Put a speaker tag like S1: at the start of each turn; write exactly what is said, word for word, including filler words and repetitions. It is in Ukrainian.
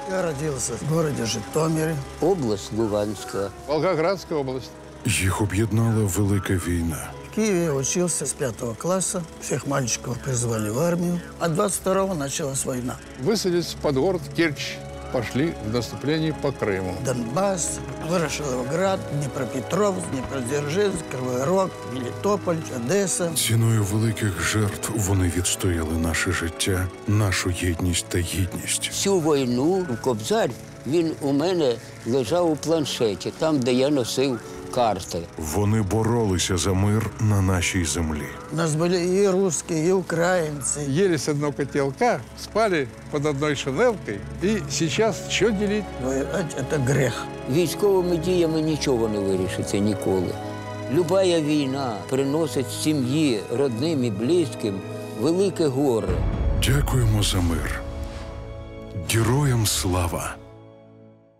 S1: Я родился в городе Житомире.
S2: Область Луганська.
S3: Волгоградская область.
S4: Їх об'єднала велика війна.
S1: В Киеве я учился с пятого класса. Всех мальчиков призвали в армию. А двадцать второго началась война.
S3: Высадились под город Керчь. Пошли в наступление по Крыму.
S1: Донбасс, Ворошиловград, Днепропетровск, Днепродзержинск, Кривой Рог, Мелітополь, Одеса.
S4: Ціною великих жертв вони відстояли наше життя, нашу єдність та гідність.
S2: Всю війну Кобзар, він у мене лежав у планшеті, там, де я носив карти.
S4: Вони боролися за мир на нашій землі.
S1: У нас были и русские, и украинцы.
S3: Ели с одного котелка, спали под одной шинелкой. И сейчас что делить?
S1: Воевать – это грех.
S2: Військовими діями нічого не вирішиться ніколи. Любая війна приносить сім'ї, родним і близьким велике горе.
S4: Дякуємо за мир. Героям слава!